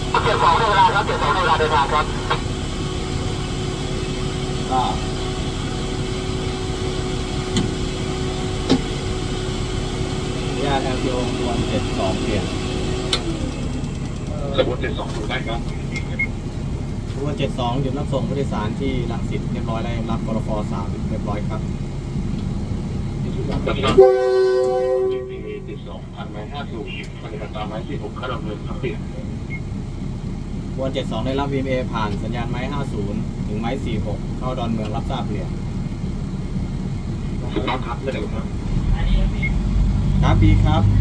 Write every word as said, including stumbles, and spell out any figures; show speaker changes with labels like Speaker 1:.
Speaker 1: เจ็ดสองในเวลาครับเจ็ดสองในเวลาเดินทางครับ
Speaker 2: ก็ญาติแอลโยงวนเจ็ดสองเปลี่ยน
Speaker 1: สมมติเจ็ดสองดูได้ครับ
Speaker 2: วนเจ็ดสองหยุดรับส่งผู้โดยสารที่รังสิตเรียบร้อยแล้วรับกรฟสามเรียบร้อยครับ
Speaker 1: ครับเจ็ดสองพันไม้ห้าสูบปฏิบัติตามไม้สี่หกเข้าดำเนินครับเปลี่ยน
Speaker 2: วนเจ็ดสองได้รับ วี เอ็ม เอ ผ่านสัญญาณไม้ห้าศูนย์ถึงไม้สี่หกเข้าดอนเมืองรับทราบเปลี่ยน
Speaker 1: ถูกต้องครับไม่ได้ครับ
Speaker 2: ครับดีครับ